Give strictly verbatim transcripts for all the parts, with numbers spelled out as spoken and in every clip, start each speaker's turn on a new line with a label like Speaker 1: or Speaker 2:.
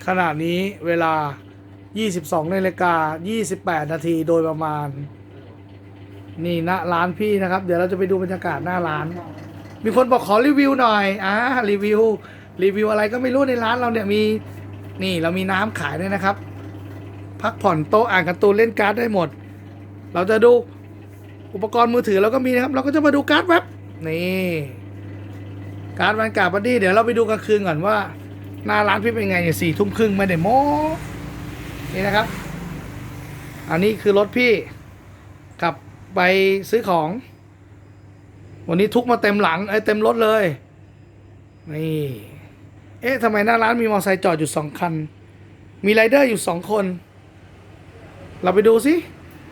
Speaker 1: ขณะนี้เวลา ยี่สิบสองนาฬิกายี่สิบแปดนาทีโดยประมาณนี่ณร้านพี่นะครับเดี๋ยวเราจะไปดูบรรยากาศหน้าร้านมีคนบอกขอรีวิวหน่อยอ่ารีวิวรีวิวอะไรก็ไม่รู้ในร้านเราเนี่ยมีนี่เรามีน้ำขายด้วยนะครับพักผ่อนโต๊ะอ่านการ์ตูนเล่นการ์ดได้หมดเราจะดูอุปกรณ์มือถือเราก็มีนะครับเราก็จะมาดูการ์ดเว็บนี่การ์ดวันการ์ดบัดดี้เดี๋ยวเราไปดูกลางคืนก่อนว่าหน้าร้านพี่เป็นไงเนี่ยสี่ทุ่มครึ่งไม่ได้โม้นี่นะครับอันนี้คือรถพี่ขับไปซื้อของวันนี้ทุกมาเต็มหลังไอ้เต็มรถเลยนี่เอ๊ะทำไมหน้าร้านมีมอเตอร์ไซค์จอดอยู่สองคันมีไรเดอร์อยู่สองคนเราไปดูสิ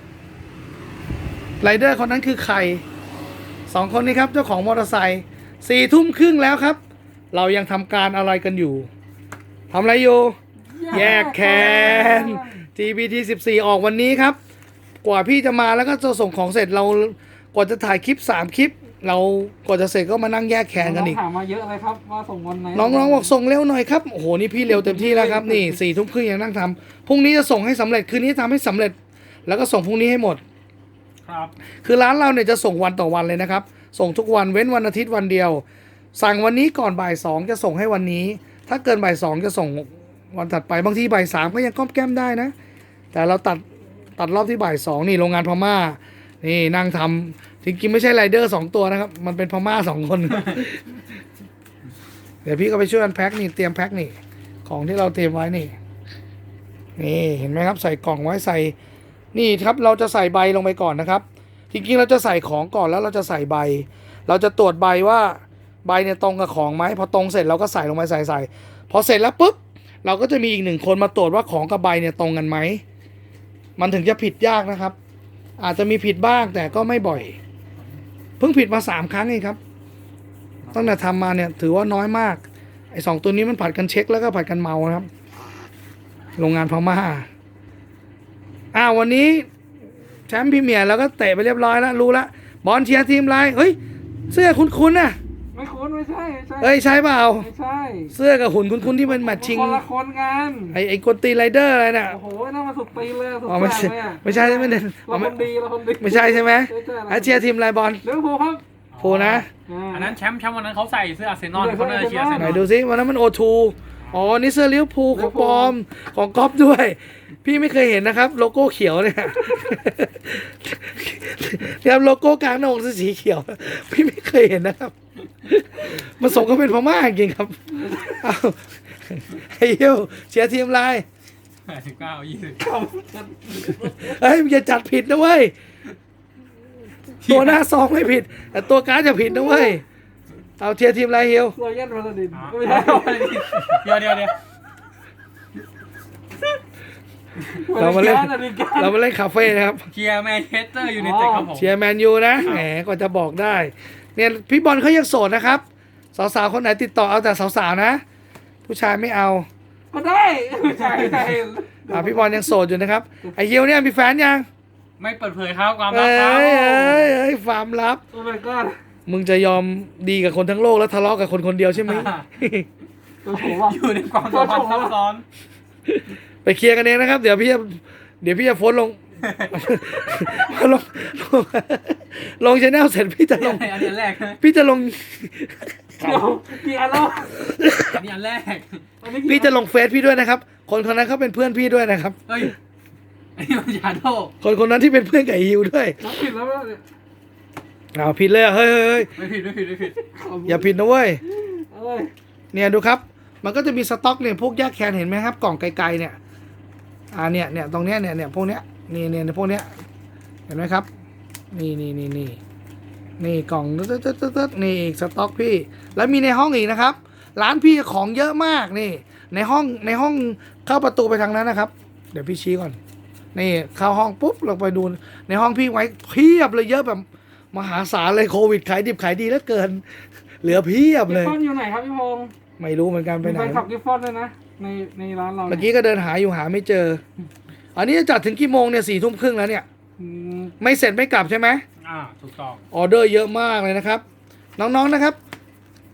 Speaker 1: ไรเดอร์คนนั้นคือใครสองคนนี้ครับเจ้าของมอเตอร์ไซค์สี่ทุ่มครึ่งแล้วครับเรายังทำการอะไรกันอยู่ทำอะไรอยู่แยกแคน จี บี ที สิบสี่ ออกวันนี้ครับกว่าพี่จะมาแล้วก็จะส่งของเสร็จเรากว่าจะถ่ายคลิปสามคลิปเรากว่าจะเสร็จก็มานั่งแยกแคนกันอีก
Speaker 2: ถามมาเยอะเลยครับว่าส่งวันไหน
Speaker 1: น้องๆบอกส่งเร็วหน่อยครับโอ้โหนี่พี่เร็วเต็มที่แล้วครับนี่สี่ทุ่มครึ่งยังนั่งทำพรุ่งนี้จะส่งให้สำเร็จคืนนี้ทำให้สำเร็จแล้วก็ส่งพรุ่งนี้ให้หมด
Speaker 2: ครับ
Speaker 1: คือร้านเราเนี่ยจะส่งวันต่อวันเลยนะครับส่งทุกวันเว้นวันอาทิตย์วันเดียวสั่งวันนี้ก่อนบ่ายสองจะส่งให้วันนี้ถ้าเกินบ่ายสองจะส่งวันถัดไปบางทีบ่ายสามก็ยังก้อมแก้มได้นะแต่เราตัดตัดรอบที่บ่ายสองนี่โรงงานพม่านี่นั่งทำจริงๆไม่ใช่ไรเดอร์สองตัวนะครับมันเป็นพม่าสองคน เดี๋ยวพี่ก็ไปช่วยกันแพ็คนี่เตรียมแพ็คนี่ของที่เราเตรียมไว้นี่นี่เห็นไหมครับใส่กล่องไว้ใส่นี่ครับเราจะใส่ใบลงไปก่อนนะครับจริงๆเราจะใส่ของก่อนแล้วเราจะใส่ใบเราจะตรวจใบว่าใบเนี่ยตรงกับของไหมพอตรงเสร็จเราก็ใส่ลงไปใส่ใส่พอเสร็จแล้วปุ๊บเราก็จะมีอีกหนึ่งคนมาตรวจว่าของกับใบเนี่ยตรงกันไหมมันถึงจะผิดยากนะครับอาจจะมีผิดบ้างแต่ก็ไม่บ่อยเพิ่งผิดมาสามครั้งเองครับตั้งแต่ทำมาเนี่ยถือว่าน้อยมากไอ้สองตัวนี้มันผัดกันเช็คแล้วก็ผัดกันเมานะครับโรงงานพม่าอ้าววันนี้แชมป์พรีเมียร์แล้วก็เตะไปเรียบร้อยแล้วรู้แล้วบอลเชียร์ทีมอะไรเฮ้ยเสื้อคุ้นๆน่ะ
Speaker 2: ไม่คุ้นไม่ใช่ใช่
Speaker 1: เฮ้ยใช่เปล่า
Speaker 2: ไม่ใช่
Speaker 1: เสื้อกับหุ่นคุ้นๆที่เป็นแมทชิง
Speaker 2: คนละคนกัน
Speaker 1: ไอ้ไอ้คนตีไรเดอร์อะไรน่ะ
Speaker 2: โอ้โหน่ามาสุดตีเลยสุด
Speaker 1: อ๋อไม่ใช่ไม่ใช่ไม่ใช่
Speaker 2: เราคนดีเราคนดี
Speaker 1: ไม่ใช่ใช่ไหมไอ้เชียร์ทีมอะไรบอล
Speaker 2: เลี้ยวภูครับ
Speaker 1: ภูนะ
Speaker 3: อันนั้นแชมป์แชมป์วันนั้นเขาใส่เสื้ออาร์เซนอลเขาเลยเชียร์อาร์เซนอล
Speaker 1: ไหนดูซิวันนั้นมันโอทูอ๋อนี่เสื้อลิเวอร์พูลของปลอมของก๊อฟด้วยพี่ไม่เคยเห็นนะครับโลโก้เขียวเนี่ยเนี่ยโลโก้กลางหน้าอกสีเขียวพี่ไม่เคยเห็นนะครับมันสมก็เป็นพม่าจริงครับเอาไอ้เหี้ยเชียร์ทีมอะไร
Speaker 3: แปดสิบเก้ายี่สิบ
Speaker 1: เฮ้ยมึงอย่าจัดผิดนะเว้ยตัวหน้าซองไม่ผิดแต่ตัวการ์ดจะผิดนะเว้ยเอาเชียร์ทีมอะไรเฮียว
Speaker 2: รอยยันมาสดิน
Speaker 3: ไม่ใช่เดี๋ยวเดี๋ยวเดี๋ยว
Speaker 1: เรามาเล่นเรามาเล่นคาเฟ่นะครับ
Speaker 3: เชียร์แมนเชสเตอร์ยูไนเต็ดครับผม
Speaker 1: เชียร์แมนยูนะแหมก็จะบอกได้เนี่ยพี่บอลเขายังโสดนะครับสาวๆคนไหนติดต่อเอาแต่สาวๆนะผู้ชายไม่เอา
Speaker 2: ก็ได้ใช่ใช่
Speaker 1: อ่าพี่บอลยังโสดอยู่นะครับไอเฮียวเนี่ยมีแฟนยัง
Speaker 3: ไม่เปิดเผยครับความลั
Speaker 1: เอ้
Speaker 3: บครับ
Speaker 1: ยเอ้ยเอ้ยความลับ
Speaker 2: โอ้ my god
Speaker 1: มึงจะยอมดีกับคนทั้งโลกแล้วทะเลาะกับคนคนเดียวใช่ไหม
Speaker 3: อยู่ในความสัมพันธ์ซับซ้อน
Speaker 1: ไปเคลียร์กันเองนะครับเดี๋ยวพี่จะเดี๋ยวพี่จะโพสลงลงลงชแนลเสร็จพี่จะลง
Speaker 3: อันนี้แรก
Speaker 1: พี่จะลง
Speaker 2: เดี๋ยวกี่อันแล้ว
Speaker 3: อันนี้อันแรก
Speaker 1: พี่จะลงเฟซพี่ด้วยนะครับคนคนนั้นเขาเป็นเพื่อนพี่ด้วยนะครับ
Speaker 3: เฮ้ยอันนี้มันยาโด
Speaker 1: คนคนนั้นที่เป็นเพื่อนกับฮิวด้วย
Speaker 2: ผิดแล้วเนี่ย
Speaker 1: อ้าวผิดเลยเฮ้ยเฮ้ย
Speaker 3: ไม่ผิดไม่ผิดไม่ผิด
Speaker 1: อย่าผิดนะเว้ยเนี่ยดูครับมันก็จะมีสต็อกเนี่ยพวกแยกแคนเห็นไหมครับกล่องไกลๆเนี่ยอ่าเนี่ยเนี่ยตรงเนี้ยเนี่ยเนี่ยพวกเนี้ยนี่เนี่ยพวกเนี้ยเห็นไหมครับนี่นี่นี่นี่นี่กล่องตึ๊ดตึ๊ดตึ๊ดตึ๊ดนี่อีกสต็อกพี่แล้วมีในห้องอีกนะครับร้านพี่ของเยอะมากนี่ในห้องในห้องเข้าประตูไปทางนั้นนะครับเดี๋ยวพี่ชี้ก่อนนี่เข้าห้องปุ๊บลงไปดูในห้องพี่ไว้เพียบเลยเยอะแบบมหาศาลเลยโควิดขายดิบขายดีแล้วเกินเหลือเพียบเลย
Speaker 2: กิฟฟอนอยู่ไหนครับพี่พงษ์
Speaker 1: ไม่รู้เหมือนกันไปไหน
Speaker 2: ไปขับกิฟฟอนเลยนะในในร้านเรา
Speaker 1: เมื่อกี้ก็เดินหาอยู่หาไม่เจออันนี้จะจัดถึงกี่โมงเนี่ยสี่ทุ่มครึ่งแล้วเนี่ยไม่เสร็จไม่กลับใช่ไหม
Speaker 3: อ่าถูกต้อง
Speaker 1: ออเดอร์เยอะมากเลยนะครับน้องๆนะครับ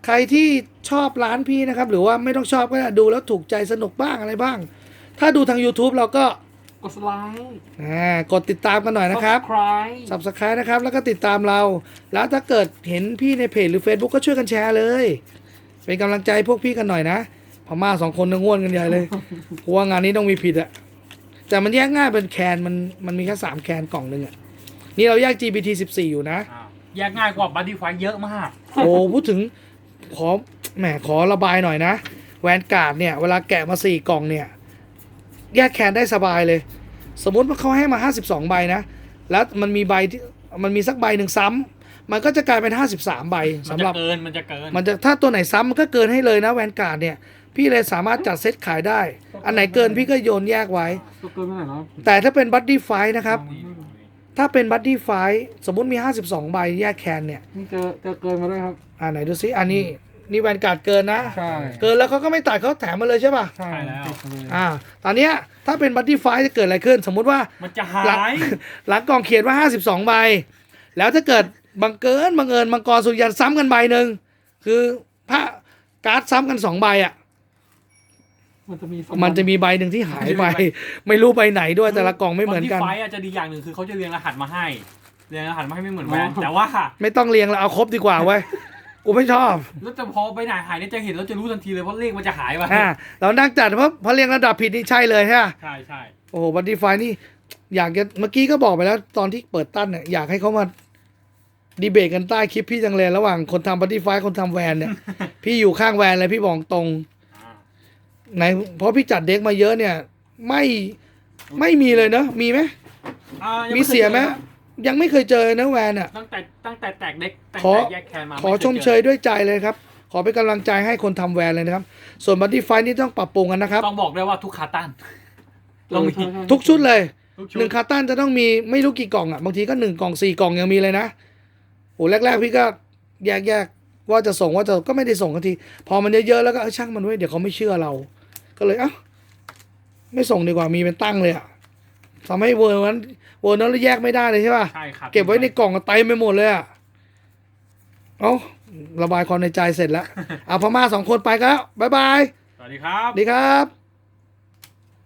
Speaker 1: ใครที่ชอบร้านพี่นะครับ หรือว่าไม่ต้องชอบก็ได้ดูแล้วถูกใจสนุกบ้างอะไรบ้าง ถ้าดูทาง YouTube เราก็
Speaker 2: กดไลค์
Speaker 1: อ่ากดติดตามกันหน่อยนะครับ
Speaker 2: Subscribe
Speaker 1: Subscribe นะครับแล้วก็ติดตามเรา แล้วถ้าเกิดเห็นพี่ในเพจหรือ Facebook ก็ช่วยกันแชร์เลย เป็นกำลังใจพวกพี่กันหน่อยนะพม่าสองคนนึงง่วนกันใหญ่เลยเพราะว่างานนี้ต้องมีผิดอะแต่มันแยกง่ายเป็นแคนมันมันมีแค่สามแคนกล่องหนึ่งอะนี่เราแยก จี บี ที สิบสี่ อยู่นะ
Speaker 3: อ้าวแยกง่ายกว่าบัดดี้ไฟเยอะมาก
Speaker 1: โอ้พูดถึงขอแหมขอระบายหน่อยนะแวนการ์ดเนี่ยเวลาแกะมาสี่กล่องเนี่ยแยกแคนได้สบายเลย สมมุติว่าเขาให้มาห้าสิบสองใบนะแล้วมันมีใบที่มันมีสักใบหนึ่งซ้ำมันก็จะกลายเป็นห้าสิบสามใบ
Speaker 3: มัน
Speaker 1: สำห
Speaker 3: จะ
Speaker 1: รับ
Speaker 3: เกินมันจะเกิน
Speaker 1: มันจะถ้าตัวไหนซ้ำมันก็เกินให้เลยนะแวนการ์ดเนี่ยพี่เลยสามารถจัดเซตขายได้ อันไหนเกินพี่ก็โยนแยกไว้
Speaker 2: ตัวเกินไปไหนแล้ว
Speaker 1: แต่ถ้าเป็นบัดดี้ไฟนะครับ ถ้าเป็นบัดดี้ไฟสมมุติมีห้าสิบสองใบแยกแคนเนี่ย
Speaker 2: นี่เจอเจอเกินมาด้วยครับ
Speaker 1: อ่าไหนดูซิอันนี้นี่แวนการ์ดเกินนะ
Speaker 2: ใช่
Speaker 1: เกินแล้วเขาก็ไม่ตัดเขาแถมมาเลยใช่ป่ะ
Speaker 2: ใช่
Speaker 3: ใช่แล้ว
Speaker 2: ติดมาเลย
Speaker 1: อ่า ตอนเนี้ยถ้าเป็นบัตตี้ไฟจะเกิดอะไรขึ้น สมมุติว่า
Speaker 3: มันจะหา
Speaker 1: หลัง
Speaker 3: ย
Speaker 1: หลังกล่องเขียนว่าห้าสิบสองใบ แล้วถ้าเกิดบังเกินบังเอิญมังกรสุริยันซ้ำกันใบหนึ่งคือพระการ์ดซ้ำกันสองใบอ่ะ
Speaker 2: มันจะมี
Speaker 1: มันจะมีใบหนึ่งที่หายไป ไม่รู้ใบไหนด้วยแต่ละกล่องไม่เหมือนกัน
Speaker 3: บัดดี้ไฟอาจจะดีอย่างหนึ่งคือเขาจะเรียงรหัสมาให้เรียงรหัสมาให้ไม่เหมือนแวนแต่ว่า
Speaker 1: ไม่ต้องเรียงแล้วเอาครบดีกว่าเว้ย กูไม่ชอบ
Speaker 3: แล้วจะพอไปไหนหายเนี่ยจะเห็นแล้วจะรู้ทันทีเลยเพราะเลขมันจะหายไป
Speaker 1: อ่า เรานั่งจัดเพราะเพราะเรียงระดับผิดนี่ใช่เลยใช่ไหม
Speaker 3: ใช่ใช่
Speaker 1: โอ้โหบัตตี้ไฟนี่ อยากจะเมื่อกี้ก็บอกไปแล้วตอนที่เปิดตั้นเนี่ยอยากให้เขามาดีเบตกันใต้คลิปพี่จังเลยระหว่างคนทำบัตตี้ไฟคนทำแวนเนี่ย พี่อยู่ข้างแวนเลยพี่บอกตรง
Speaker 3: อ่า
Speaker 1: ในเพราะพี่จัดเด็กมาเยอะเนี่ย ไม่ไม่มีเลยเนอะมีไหม
Speaker 3: อ่ายัง
Speaker 1: มี
Speaker 3: ไค
Speaker 1: เสียไหม
Speaker 3: จอครับ
Speaker 1: ยังไม่เคยเจอนะแวนอ่ะ
Speaker 3: ตั้งแต่ตั้งแต่แตกเด็กตั้ง
Speaker 1: ขอ
Speaker 3: แต่แยกแคนมา
Speaker 1: ขอ
Speaker 3: ไค
Speaker 1: ชม
Speaker 3: จ
Speaker 1: เชยด้วยใจเลยครับ ขอเป็นกำลังใจให้คนทำแวนเลยนะครับ ส่วนบัตตี้ไฟนี่ต้องปรับปรุงกันนะครับ
Speaker 3: ต้องบอกได้ว่าทุกคาตันต้องมี
Speaker 1: ทุกชุดเลย
Speaker 3: ทุกชุ
Speaker 1: หนึ่ง
Speaker 3: ด
Speaker 1: คาร์ตันจะต้องมีไม่รู้กี่กล่องอ่ะบางทีก็หนึ่งกล่องสี่กล่องยังมีเลยนะโอ้แรกๆพี่ก็แยกแยกๆว่าจะส่งว่าจะก็ไม่ได้ส่งทันที พอมันเยอะๆแล้วก็เออช่างมันไว้ยเดี๋ยวเขาไม่เชื่อเรา ก็เลยเอ้าไม่ส่งดีกว่ามีเป็นตั้งเลยอ่ะทำให้เวอร์นั้นเวอร์นั้นเราแยกไม่ได้เลยใช่ป่ะ
Speaker 3: ใช่ครับ
Speaker 1: เก็บไว้ในกล่องเต็มไปหมดเลยอ่ะเอ้าระบายความในใจเสร็จแล้วเอาพม่าสองคนไปก็แล้วบ๊ายบาย
Speaker 3: สวัสดีครับ
Speaker 1: ดีครับ